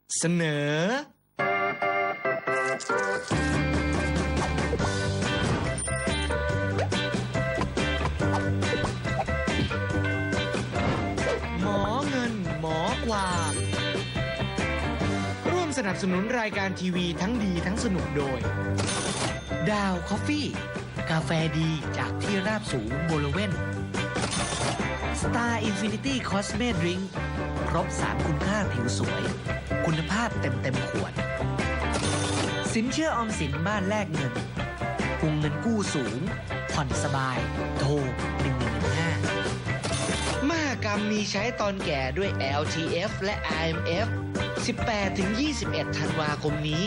เสนอหมอเงินหมอความร่วมสนับสนุนรายการทีวีทั้งดีทั้งสนุกโดยดาวคอฟฟี่กาแฟดีจากที่ราบสูงบริเวณStar Infinity Cosme Drink ครบ3คุณค่าผิวสวยคุณภาพเต็มขวดสินเชื่อออมสินบ้านแลกเงินวงเงินกู้สูงผ่อนสบายโทร1115 มหกรรมมีใช้ตอนแก่ด้วย LTF และ IMF 18-21 ธันวาคมนี้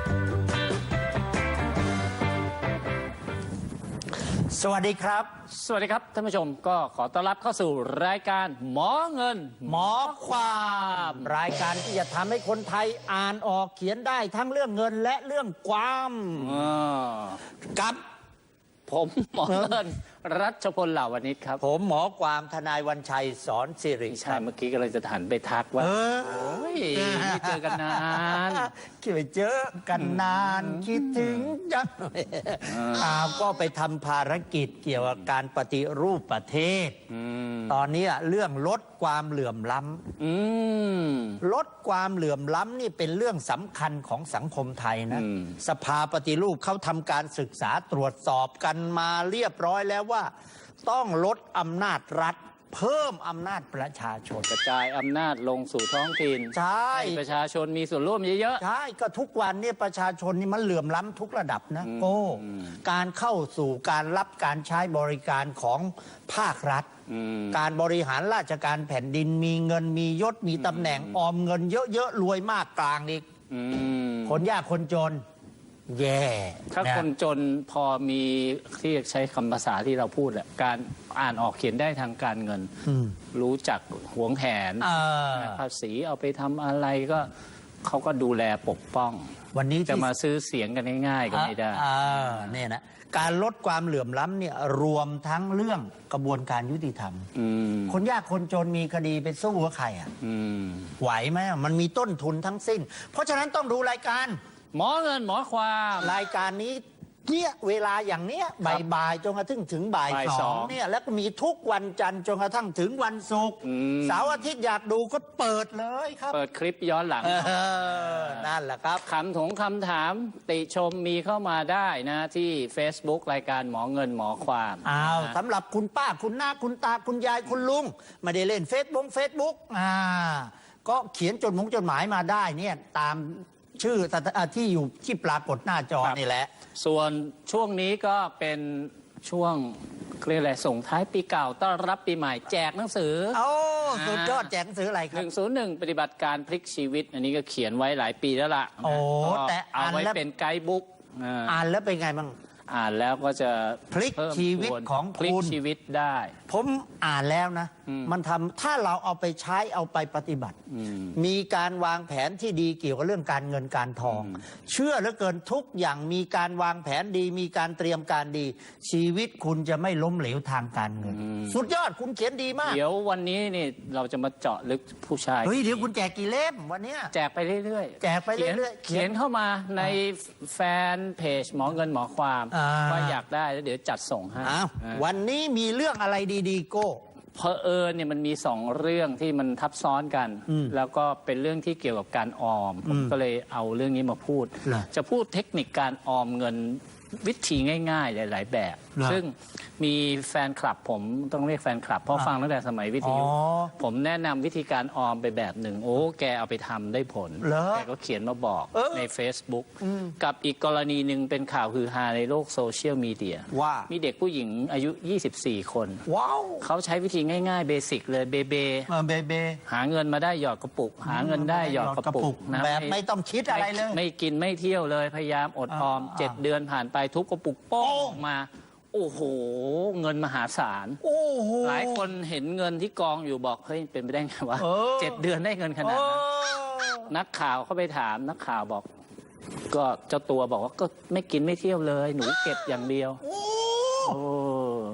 สวัสดีครับสวัสดีครับท่านผู้ชมก็ขอต้อนรับเข้าสู่รายการหมอเงินหมอความรายการที่จะทำให้คนไทยอ่านออกเขียนได้ทั้งเรื่องเงินและเรื่องความกับผมหมอเงินรัชพลเหล่าวณิชครับผมหมอความทนายวันชัยสอนสิริใช่เมื่อกี้ก็เลยจะหันไปทักว่าโอ้ยไม่เจอกันนานคิดไปเจอกันนานคิดถึงจังก็ไปทำภารกิจเกี่ยวกับการปฏิรูปประเทศตอนนี้เรื่องลดความเหลื่อมล้ำลดความเหลื่อมล้ำนี่เป็นเรื่องสำคัญของสังคมไทยนะสภาปฏิรูปเขาทำการศึกษาตรวจสอบกันมาเรียบร้อยแล้วว่าต้องลดอำนาจรัฐเพิ่มอำนาจประชาชนกระจายอำนาจลงสู่ท้องถิ่นใช่ประชาชนมีส่วนร่วมเยอะๆใช่ก็ทุกวันนี้ประชาชนนี่มันเหลื่อมล้ำทุกระดับนะโอ้การเข้าสู่การรับการใช้บริการของภาครัฐการบริหารราชการแผ่นดินมีเงินมียศมีตำแหน่งออมเงินเยอะๆรวยมากกลางอีกคนยากคนจนแย่ถ้าคนจนพอมีที่ใช้คำภาษาที่เราพูดแหละการอ่านออกเขียนได้ทางการเงินรู้จักหวงแหนภาษีเอาไปทำอะไรก็เขาก็ดูแลปกป้องวันนี้จะมาซื้อเสียงกันง่ายๆก็ไม่ได้เนี่ยนะการลดความเหลื่อมล้ำเนี่ยรวมทั้งเรื่องกระบวนการยุติธรรมคนยากคนจนมีคดีไปสู้กับใครไหวไหมมันมีต้นทุนทั้งสิ้นเพราะฉะนั้นต้องดูรายการหมอเงินหมอความรายการนี้เนี่ยเวลาอย่างเนี้ยบ่ายจนกระทั่งถึงบ่ายสองเนี่ยแล้วก็มีทุกวันจันทร์จนกระทั่งถึงวันศุกร์เสาร์อาทิตย์อยากดูก็เปิดเลยครับเปิดคลิปย้อนหลังนั่นแหละครับคำถามติชมมีเข้ามาได้นะที่ Facebook รายการหมอเงินหมอความสำหรับคุณป้าคุณน้าคุณตาคุณยายคุณลุงไม่ได้เล่นเฟซบุ๊กก็เขียนจดหมายมาได้เนี่ยตามชื่อที่อยู่ที่ปรากฏหน้าจอนี่แหละส่วนช่วงนี้ก็เป็นช่วงเรียกอะไรส่งท้ายปีเก่าต้อนรับปีใหม่แจกหนังสือสุดยอดแจกหนังสืออะไรครับ 101ปฏิบัติการพลิกชีวิตอันนี้ก็เขียนไว้หลายปีแล้วล่ะแต่เอาไว้เป็นไกด์บุ๊กอ่านแล้วเป็นไงบ้างอ่านแล้วก็จะพลิกชีวิตของพลิกชีวิตได้ผมอ่านแล้วนะมันทำถ้าเราเอาไปใช้เอาไปปฏิบัติมีการวางแผนที่ดีเกี่ยวกับเรื่องการเงินการทองเชื่อเหลือเกินทุกอย่างมีการวางแผนดีมีการเตรียมการดีชีวิตคุณจะไม่ล้มเหลวทางการเงินสุดยอดคุณเขียนดีมากเดี๋ยววันนี้นี่เราจะมาเจาะลึกผู้ชายเดี๋ยวคุณแจกกี่เล่มวันนี้แจกไปเรื่อยๆแจกไปเรื่อยๆเขียนเข้ามาในแฟนเพจหมอเงินหมอความว่าอยากได้แล้วเดี๋ยวจัดส่งให้วันนี้มีเรื่องอะไรดีๆโก้เพอเนี่ยมันมี2เรื่องที่มันทับซ้อนกันแล้วก็เป็นเรื่องที่เกี่ยวกับการออมผมก็เลยเอาเรื่องนี้มาพูดจะพูดเทคนิคการออมเงินวิธีง่ายๆหลายๆแบบซึ่งมีแฟนคลับผมต้องเรียกแฟนคลับเพราะฟังตั้งแต่สมัยวิทยุผมแนะนำวิธีการออมไปแบบหนึ่งแกเอาไปทำได้ผลแกก็เขียนมาบอกใน Facebook กับอีกกรณีหนึ่งเป็นข่าวฮือฮาในโลกโซเชียลมีเดียว่ามีเด็กผู้หญิงอายุ24คนเขาใช้วิธีง่ายๆเบสิกเลยเบหาเงินมาได้หยอดกระปุกหาเงินได้หยอดกระปุกนะแบบไม่ต้องคิดอะไรเลยไม่กินไม่เที่ยวเลยพยายามอดออม7 เดือนผ่านไปทุบกระปุกโป้งมาโอ้โหเงินมหาศาลหลายคนเห็นเงินที่กองอยู่บอกเฮ้ยเป็นไปได้ไงวะ7 เดือนได้เงินขนาดนั้นนักข่าวเข้าไปถามนักข่าวบอกก็เจ้าตัวบอกว่าก็ไม่กินไม่เที่ยวเลยหนูเก็บอย่างเดียว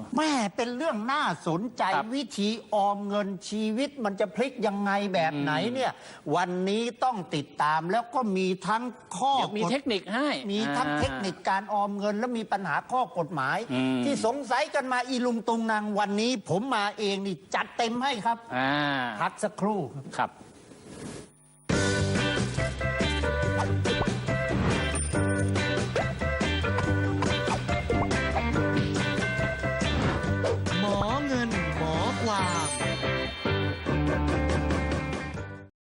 แม่เป็นเรื่องน่าสนใจครับวิธีออมเงินชีวิตมันจะพลิกยังไงแบบไหนเนี่ยวันนี้ต้องติดตามแล้วก็มีทั้งข้อเดี๋ยวมีเทคนิคให้มีทั้งเทคนิคการออมเงินและมีปัญหาข้อกฎหมาย ที่สงสัยกันมาอีลุงตุงนางวันนี้ผมมาเองนี่จัดเต็มให้ครับอ่าพักสักครู่ครับ